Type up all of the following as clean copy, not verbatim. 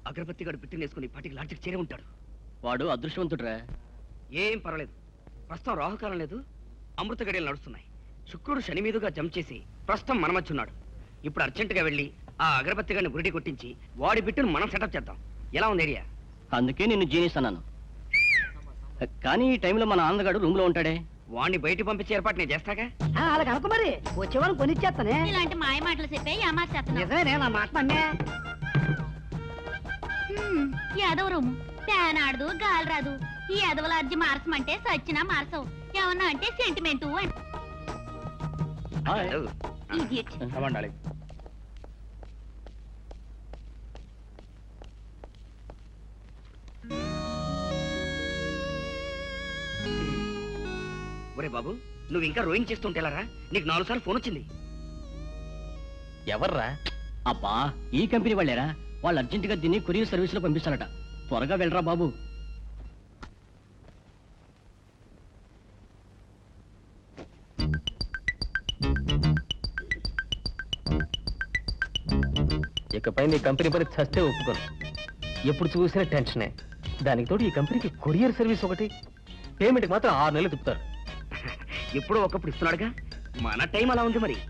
అగరబత్తి గడు పిట్టినేసుకుని పాటికి లాడ్జికి చేరే ఉంటాడు. వాడు అదృష్టవంతుడురా. ఏం పర్వాలేదు, ప్రస్తుతం రాహుకాలం లేదు, అమృత గడియలు నడుస్తున్నాయి. శుక్రుడు శని మీదుగా జంప్ చేసి ప్రస్తుతం మన మధ్య ఉన్నాడు. ఇప్పుడు అర్జెంటుగా వెళ్ళి ఆ అగరబత్తి గడిని బురిడి కొట్టించి వాడి బిట్టును మనం సెటప్ చేద్దాం. ఎలా ఉంది ఐడియా? అందుకే నిన్ను జీనిస్ అన్నాను. కానీ ఈ టైంలో మన ఆనందగాడు రూమ్ లో ఉంటాడే. వాడిని బయటికి పంపించే ఏర్పాటు నేను చేస్తాగా. అలా కనుక మరి వచ్చేవాళ్ళని కొనిచ్చేస్తానే. ఇలాంటి మాయ మాటలు చెప్పే నిజమే, నా మాట నమ్మే. యాదవ రూము ఫ్యాన్ ఆడదు, గాలి రాదు. ఈ యాదవల అర్జీ మార్చమంటే సచ్చినా మార్చవు. ఏమన్నా అంటే సెంటిమెంటు ఒరే బాబు, నువ్వు ఇంకా రోయింగ్ చేస్తుంటేలారా? నీకు 4 సార్లు ఫోన్ వచ్చింది. ఎవర్రా? అబ్బా, ఈ కంపెనీ వాళ్ళేరా. వాళ్ళు అర్జెంటుగా దీన్ని కొరియర్ సర్వీస్ లో పంపిస్తారట. త్వరగా వెళ్ళరా బాబు. ఇకపై నీ కంపెనీ పని చస్తే ఒప్పుకోను. ఎప్పుడు చూసినా టెన్షనే. దానికి తోడు ఈ కంపెనీకి కొరియర్ సర్వీస్ ఒకటి. పేమెంట్కి మాత్రం 6 నెలలు తిప్పుతారు. ఎప్పుడో ఒకప్పుడు ఇస్తున్నాడుగా, మన టైం అలా ఉంది మరి.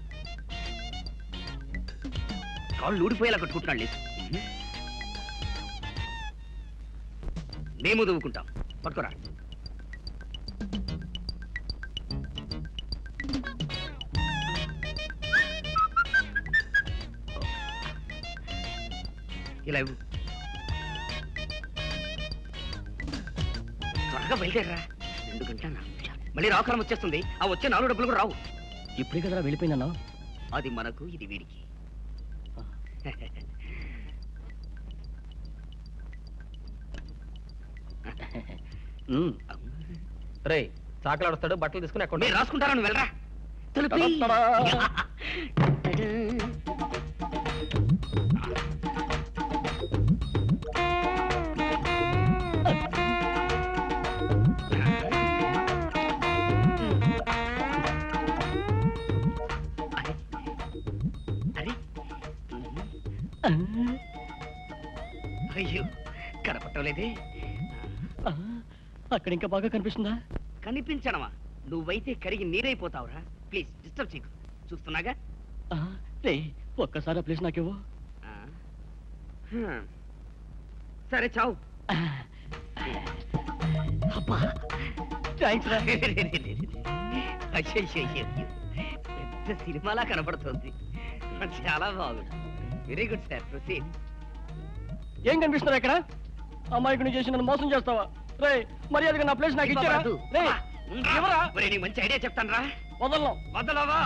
కాళ్ళు ఊడిపోయేలా కట్టుకుంటున్నాడు లేదు. మేము దువ్వుకుంటాం, పట్టుకోరా. ఇలా ఇవ్వు. త్వరగా బయలుదేరరా. 2 గంటల 4 నిమిషాలు. మళ్ళీ రాకాలం వచ్చేస్తుంది. ఆ వచ్చే 4 డబ్బులు కూడా రావు. ఇప్పుడే కదరా వెళ్ళిపోయిందన్నా. అది మనకు, ఇది వీడికి. రే, చాకలాడుస్తాడు, బట్టలు తీసుకుని అక్కడ రాసుకుంటారా? నువ్వు వెళ్ళరా. అయ్యో, కనపట్టలేదే. అక్కడ ఇంకా బాగా కనిపిస్తుందా? కనిపించడమా? నువ్వైతే కరిగి నీరైపోతావురా. ప్లీజ్ డిస్టర్బ్ చేయకు. చూస్తున్నాగా. రే, ఒక్కసారి ఆ ప్లేస్ నాకేవో. సరే, చావు. అబ్బా, థాంక్స్ రా. పెద్ద సినిమాలా కనపడుతుంది. చాలా బాగుంది. Very good sir, proceed. ఏం కనిపిస్తున్నారు ఇక్కడ? అమ్మాయికి చేసి నన్ను మోసం చేస్తావా? రే, మర్యాదగా నా ప్లేస్ నాకు ఇచ్చారా? నీకు మంచి ఐడియా చెప్తాను రా. వదలను. వదలవా?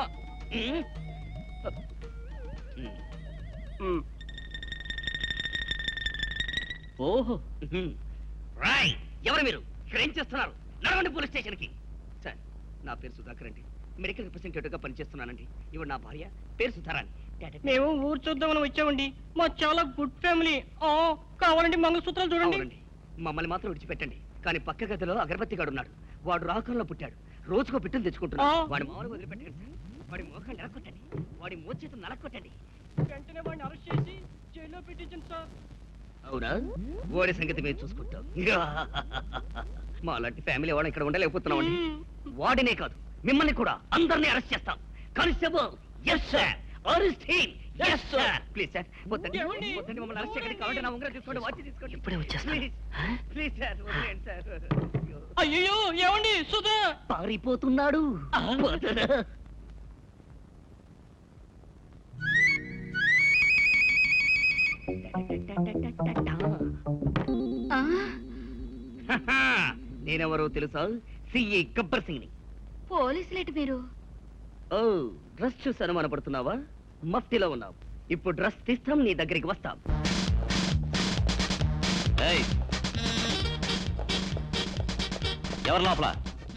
ఓహో, రాయ్, ఎవరు మీరు? ఇక్కడ ఏం చేస్తున్నారు? నడవండి పోలీస్ స్టేషన్ కి. సార్, నా పేరు సుధాకర్ అండి. మెడికల్ రిప్రజెంటేటివ్ గా పనిచేస్తున్నానండి. ఇవి నా భార్య, పేరు సుధారాణి. మేము ఊరు చూద్దామని వచ్చామండి. మా చాలా గుడ్ ఫ్యామిలీ. కావాలండి మంగళసూత్రాలు చూడండి. మమ్మల్ని మాత్రం విడిచిపెట్టండి. కానీ పక్క గదిలో అగరబత్తి గాడు ఉన్నాడు. వాడు రాకంలో పుట్టాడు. రోజుకో పిట్టును తెచ్చుకుంటున్నాడు. వాడి మామూలుగా వదిలిపెట్టండి సార్. వాడి మోకాన్ని నరకొట్టండి. వాడి మోచేతులు నరకొట్టండి. వెంటనే వాడిని అరెస్ట్ చేసి జైల్లో పెట్టించండి సార్. అవునా? వాడి సంగతి మేము చూసుకుంటాం. మా లాంటి ఫ్యామిలీ వాడు ఇక్కడ ఉండలేకపోతున్నామండి. వాడినే కాదు, మిమ్మల్ని కూడా అందరినీ అరెస్ట్ చేస్తాం. Constable, yes sir. Arrest him. yes sir. Please sir, వద్దండి. మమ్మల్ని అరెస్ట్ చేయకండి. కావాలంటే నా ఉంగరం తీసుకోండి, వాచ్ తీసుకోండి. ఇప్పుడే వచ్చేస్తాను. ప్లీజ్ సార్, వదిలేండి సార్. అయ్యో, ఏమండి? సుధా పారిపోతున్నాడు. నేనెవరో తెలుసా? సిఏ గబ్బర్ సింగ్ ని. పోలీసులేటి మీరు? ఓ, డ్రెస్ చూసి అనుమానపడుతున్నావా? మఫ్టీలో ఉన్నావు. ఇప్పుడు డ్రెస్ తీస్తాం, నీ దగ్గరికి వస్తాం. ఎవరు లోపల?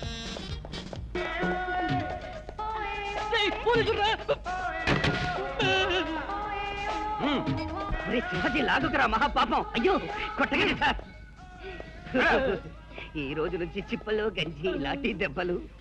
సింహజీ, లాగుకురా మహాపాపం. అయ్యో, కొట్టగండి సార్. ఈ రోజు నుంచి చిప్పలు, గంజి, లాఠీ దెబ్బలు.